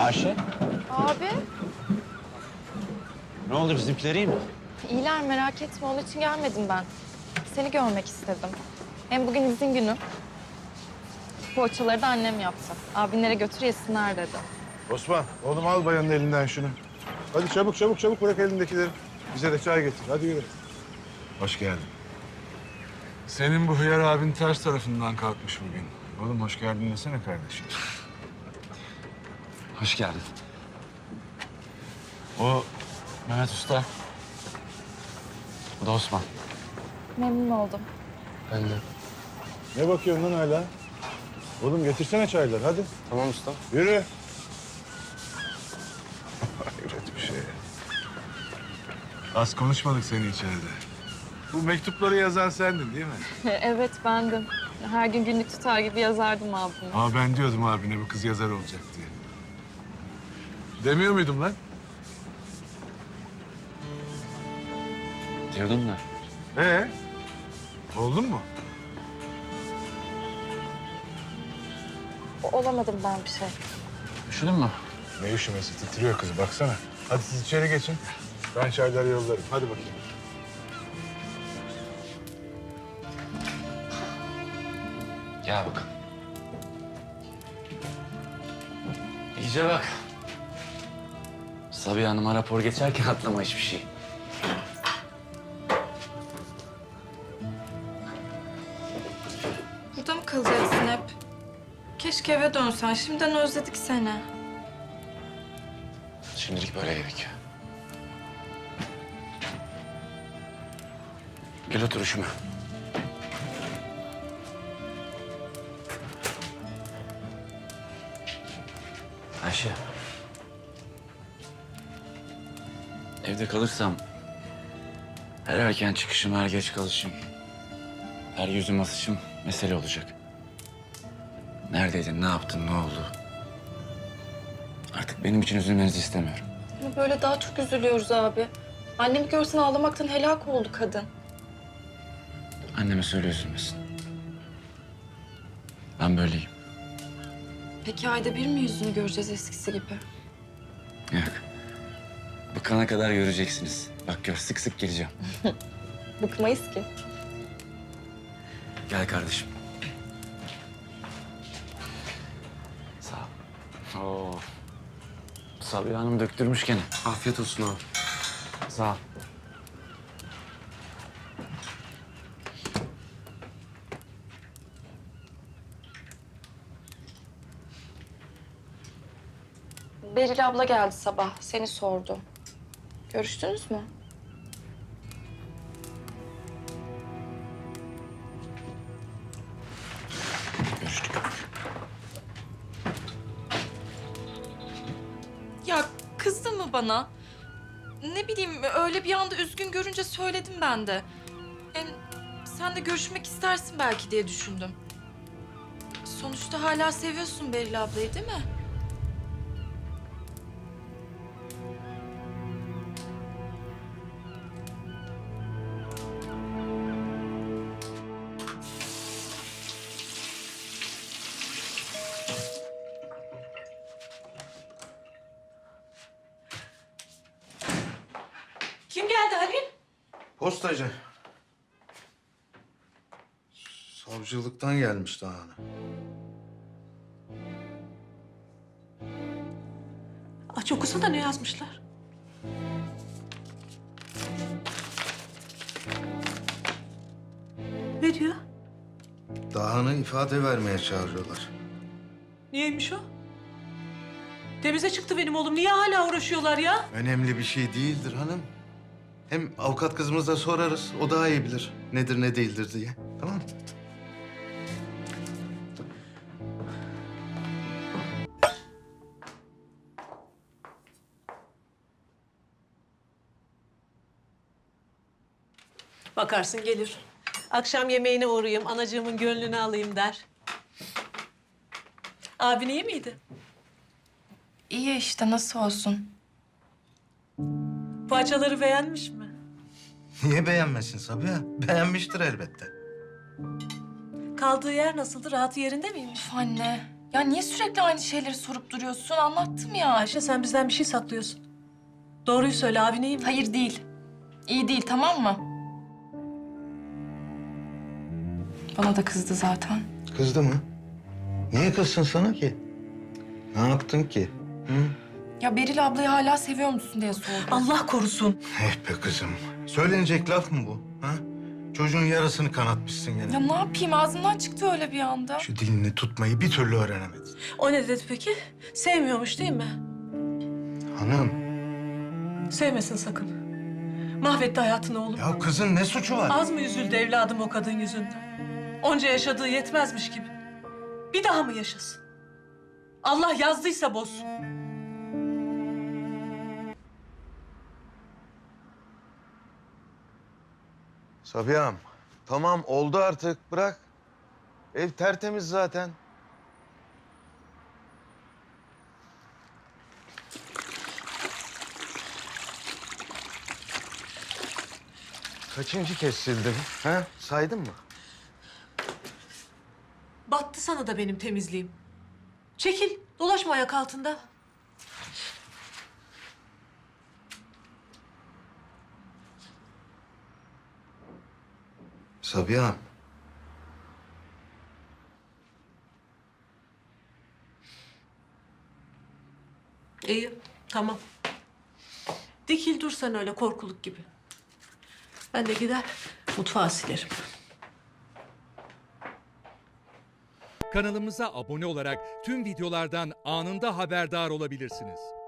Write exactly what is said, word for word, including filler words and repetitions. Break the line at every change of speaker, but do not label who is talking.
Ayşe,
Abi,
ne oldu bizimkiler iyi mi?
iyiler merak etme. Onun için gelmedim ben. Seni görmek istedim. Hem bugün izin günü. Poğaçaları da annem yaptı. Abinlere götür yesinler dedi.
Osman, oğlum al bayanın elinden şunu. Hadi çabuk çabuk çabuk bırak elindekileri. Bize de çay getir. Hadi yürü. Hoş geldin. Senin bu hıyar abin ters tarafından kalkmış bugün. Oğlum hoş geldin desene kardeşim.
Hoş geldin. O Mehmet Usta. Bu da Osman.
Memnun oldum.
Ben de.
Ne bakıyorsun lan hala? Oğlum getirsene çayları hadi.
Tamam usta.
Yürü. Hayret bir şey. Az konuşmadık seni içeride. Bu mektupları yazan sendin değil mi?
Evet, bendim. Her gün günlük tutar gibi yazardım abime.
Ama ben diyordum abine bu kız yazar olacak diye. Demiyor muydum lan?
Diyordun da.
Ee? Oldun mu?
O- Olamadım ben bir şey.
Üşüdün mü?
Ne üşümesi titriyor kız baksana. Hadi siz içeri geçin. Ben çayları yollarım. Hadi bakayım.
Gel bakalım. İyice bak. Sabiha Hanım'a rapor geçerken atlama hiçbir şey.
Burada mı kalacaksın hep? Keşke eve dönsen. Şimdiden özledik seni.
Şimdilik böyle yedik. Gel otur üşüme. Ayşe. Evde kalırsam her erken çıkışım, her geç kalışım, her yüzüm asışım mesele olacak. Neredeydin, ne yaptın, ne oldu? Artık benim için üzülmenizi istemiyorum.
Ama böyle daha çok üzülüyoruz abi. Annemi görsen ağlamaktan helak oldu kadın.
Anneme söyle üzülmesin. Ben böyleyim.
Peki ayda bir mi yüzünü göreceğiz eskisi gibi?
Yok. Bıkana kadar göreceksiniz. Bak gör, sık sık geleceğim.
Bıkmayız ki.
Gel kardeşim. Sağ ol. Oo. Sabiha Hanım döktürmüş gene. Afiyet olsun abi. Sağ ol.
Beril abla geldi sabah. Seni sordu. Görüştünüz mü?
Görüştük.
Ya kızdı mı bana? Ne bileyim öyle bir anda üzgün görünce söyledim ben de. Hem sen de görüşmek istersin belki diye düşündüm. Sonuçta hala seviyorsun Beril ablayı değil mi?
Kim geldi Halil?
Postacı. Savcılıktan gelmiş daha hani.
Aç okusana ne yazmışlar. Ne diyor?
Dağhan'ı ifade vermeye çağırıyorlar.
Niyeymiş o? Temize çıktı benim oğlum. Niye hala uğraşıyorlar ya?
Önemli bir şey değildir hanım. Hem avukat kızımıza sorarız. O daha iyi bilir nedir ne değildir diye. Tamam mı?
Bakarsın gelir. Akşam yemeğine uğrayayım, anacığımın gönlünü alayım der. Abin iyi miydi?
İyi işte nasıl olsun.
Poğaçaları beğenmiş mi?
Niye beğenmesin Sabiha? Beğenmiştir elbette.
Kaldığı yer nasıldı? Rahatı yerinde miymiş?
Üf anne Ya niye sürekli aynı şeyleri sorup duruyorsun? Anlattım ya.
Ayşe sen bizden bir şey saklıyorsun. Doğruyu söyle abi neyim?
Hayır değil. İyi değil, tamam mı? Bana da kızdı zaten.
Kızdı mı? Niye kızsın sana ki? Ne yaptın ki? Hı?
Ya Beril ablayı hala seviyor musun diye sordu.
Allah korusun.
Eh be kızım. Söylenecek laf mı bu? Ha? Çocuğun yarasını kanatmışsın gene.
Ya ne yapayım? Ağzımdan çıktı öyle bir anda.
Şu dilini tutmayı bir türlü öğrenemedin.
O ne dedi peki? Sevmiyormuş değil mi?
Hanım,
Sevmesin sakın. Mahvetti hayatını oğlum.
ya kızın ne suçu var?
Az mı üzüldü evladım o kadın yüzünden? Onca yaşadığı yetmezmiş gibi. Bir daha mı yaşasın? Allah yazdıysa bozsun.
Sabiha'm, tamam oldu artık. Bırak. Ev tertemiz zaten. Kaçıncı kez sildim? Ha? Saydın mı?
Battı sana da benim temizliğim. Çekil, dolaşma ayak altında.
Sabiha'm.
İyi, tamam. Dikil dur sen öyle korkuluk gibi. Ben de gider mutfağı silerim.
Kanalımıza abone olarak tüm videolardan anında haberdar olabilirsiniz.